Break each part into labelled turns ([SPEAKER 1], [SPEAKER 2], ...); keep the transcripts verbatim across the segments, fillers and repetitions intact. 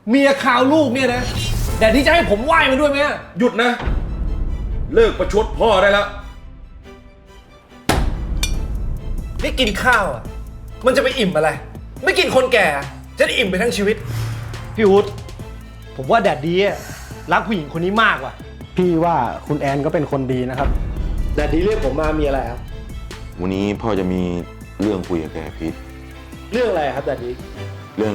[SPEAKER 1] เมียข่าวลูกเนี่ยนะแต่ที่จะให้ผมไหว้มันด้วยไหม
[SPEAKER 2] หยุดนะ เลิกประชดพ่อได้แล้ว
[SPEAKER 1] นี่กินข้าวอ่ะมันจะไปอิ่มอะไรไม่กินคนแก่จะได้อิ่มไปทั้งชีวิตพี่อุ๊ดผมว่าแดดดีอะรักผู้หญิงคนนี้มากว่ะ
[SPEAKER 3] พี่ว่าคุณแอนก็เป็นคนดีนะครับแดดดีเรียกผมมามีอะไรครับ
[SPEAKER 2] วันนี้พ่อจะมีเรื่องคุยกับแกพีท
[SPEAKER 3] เรื่องอะไรครับแดดดี
[SPEAKER 2] เรื่อง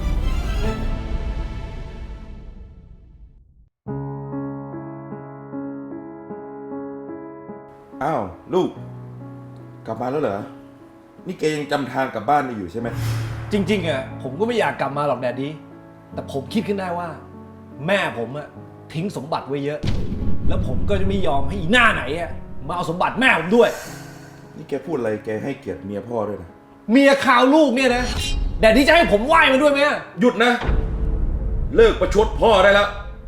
[SPEAKER 2] อ้าวลูกกลับมาแล้วเหรอนี่แกยังจำทางกลับบ้านได้อยู่ใช่ไหม
[SPEAKER 1] จริงๆอ่ะผมก็ไม่อยากกลับมาหรอกแดดดีแต่ผมคิดขึ้นได้ว่า แม่ผมอ่ะทิ้งสมบัติไว้เยอะ แล้วผมก็จะไม่ยอมให้อีหน้าไหนอ่ะมาเอาสมบัติแม่ผมด้วย
[SPEAKER 2] นี่แกพูดอะไรแกให้เกียรติเมียพ่อด้วยนะ
[SPEAKER 1] เมียข่าวลูกเนี่ยนะแดดดีจะให้ผมไหว้มันด้วยไหม
[SPEAKER 2] หยุดนะ เลิกประชดพ่อได้แล้ว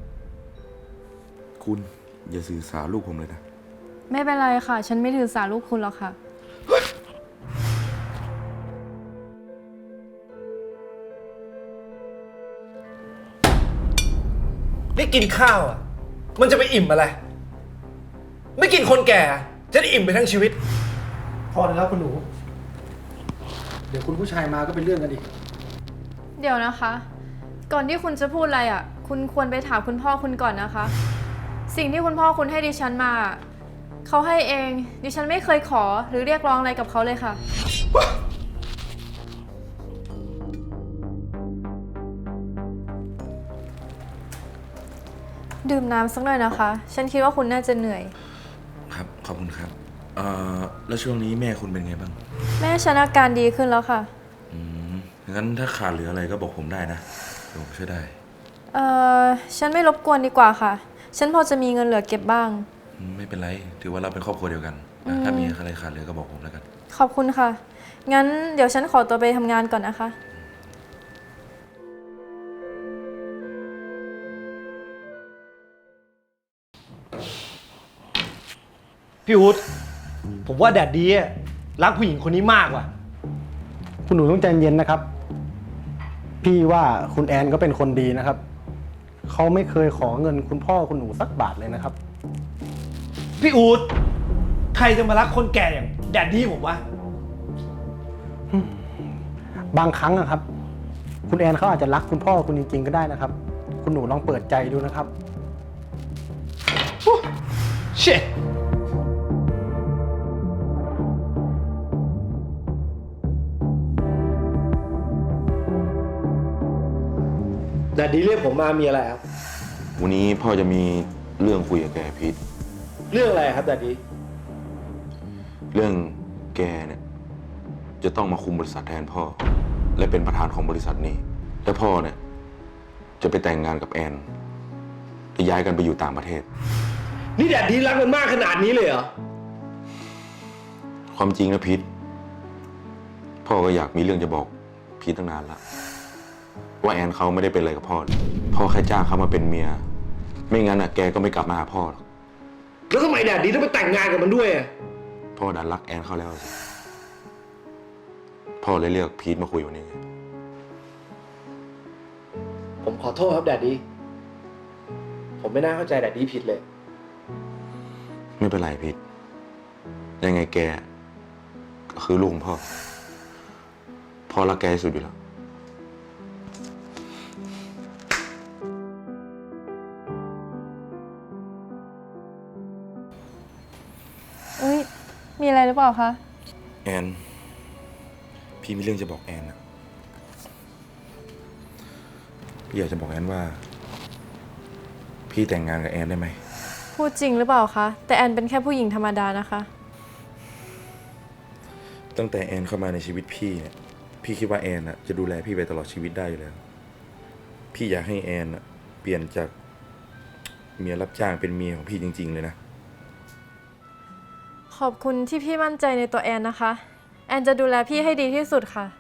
[SPEAKER 2] คุณอย่าสื่อสารลูกผมเลยนะ
[SPEAKER 4] ไม่เป็นไรค่ะ ฉันไม่ถือสาลูกคุณหรอกค่ะ
[SPEAKER 1] นี่กินข้าวอ่ะมันจะไปอิ่มอะไรไม่กินคนแก่จะได้อิ่มไปทั้งชีวิต
[SPEAKER 3] พอแล้วคุณหนู เดี๋ยวคุณผู้ชายมาก็เป็นเรื่องกันอีก
[SPEAKER 4] เดี๋ยวนะคะ ก่อนที่คุณจะพูดอะไรอ่ะ คุณควรไปถามคุณพ่อคุณก่อนนะคะ สิ่งที่คุณพ่อคุณให้ดิฉันมาเขาให้เองดิฉันไม่เคยขอหรือเรียกร้องอะไรกับเขาเลยค่ะ ดื่มน้ำสักหน่อยนะคะ ฉันคิดว่าคุณน่าจะเหนื่อย
[SPEAKER 2] ครับขอบคุณครับเอ่อแล้วช่วงนี้แม่คุณเป็นไงบ้าง
[SPEAKER 4] แม่ฉันอาการดีขึ้นแล้วค่ะ
[SPEAKER 2] อืมงั้นถ้าขาดเหลืออะไรก็บอกผมได้นะเดี๋ยวผมช่วยได้
[SPEAKER 4] เอ่อ ฉันไม่รบกวนดีกว่าค่ะ ฉันพอจะมีเงินเหลือเก็บบ้าง
[SPEAKER 2] อืมไม่เป็นไรถือว่าเราเป็นครอบครัวเดียวกันนะถ้ามีอะไรขาดเหลือก็บอกผมแล้วกัน
[SPEAKER 4] ขอบคุณค่ะ งั้นเดี๋ยวฉันขอตัวไปทำงานก่อนนะคะ
[SPEAKER 1] พี่อุ๊ดผมว่าแดดดีอะรักผู้หญิงคนนี้มากว่ะ
[SPEAKER 3] คุณหนูต้องใจเย็นนะครับ พี่ว่าคุณแอนก็เป็นคนดีนะครับ เขาไม่เคยขอเงินคุณพ่อคุณหนูสักบาทเลยนะครับ
[SPEAKER 1] พี่อู๊ดใครจะมารักคนแก่อย่างแดดดี้ผมวะ
[SPEAKER 3] บางครั้งนะครับ คุณแอนเขาอาจจะรักคุณพ่อคุณจริงๆก็ได้นะครับ คุณหนูลองเปิดใจดูนะครับ
[SPEAKER 1] เช่แดดดี้เรียกผมมามีอะไรครับ
[SPEAKER 2] วันนี้พ่อจะมีเรื่องคุยกับแกพีท
[SPEAKER 1] เรื่องอะไรครับแดดดี้
[SPEAKER 2] เรื่องแกเนี่ยจะต้องมาคุมบริษัทแทนพ่อ และเป็นประธานของบริษัทนี้และพ่อเนี่ยจะไปแต่งงานกับแอนจะย้ายกันไปอยู่ต่างประเทศ
[SPEAKER 1] นี่แดดดี้รักมันมากขนาดนี้เลยเหรอ
[SPEAKER 2] ความจริงนะพีทพ่อก็อยากมีเรื่องจะบอกพีทตั้งนานละว่าแอนเขาไม่ได้เป็นอะไรกับพ่อเลยพ่อแค่จ้างเขามาเป็นเมียไม่งั้นอ่ะแกก็ไม่กลับมาหาพ่อหรอก
[SPEAKER 1] แล้วทำไมแดดดี้ต้องไปแต่งงานกับมันด้วยอะ
[SPEAKER 2] พ่อดันรักแอนเขาแล้วสิพ่อเลยเรียกพีทมาคุยวันนี้
[SPEAKER 1] ผมขอโทษครับแดดดี้ผมไม่น่าเข้าใจแดดดี้ผิดเลย
[SPEAKER 2] ไม่เป็นไรพีทยังไงแกก็คือลูกของพ่อพ่อรักแกที่สุดอยู่แล้ว
[SPEAKER 4] อุ้ยมีอะไรหรือเปล่าคะ
[SPEAKER 2] แอนพี่มีเรื่องจะบอกแอนนะพี่อยากจะบอกแอนว่า พี่แต่งงานกับแอนได้ไหม
[SPEAKER 4] พูดจริงหรือเปล่าคะ แต่แอนเป็นแค่ผู้หญิงธรรมดานะคะ
[SPEAKER 2] ตั้งแต่แอนเข้ามาในชีวิตพี่เนี่ยพี่คิดว่าแอนน่ะจะดูแลพี่ไปตลอดชีวิตได้อยู่แล้ว พี่อยากให้แอนน่ะเปลี่ยนจากเมียรับจ้างเป็นเมียของพี่จริงๆเลยนะ
[SPEAKER 4] ขอบคุณที่พี่มั่นใจในตัวแอนนะคะ แอนจะดูแลพี่ให้ดีที่สุดค่ะ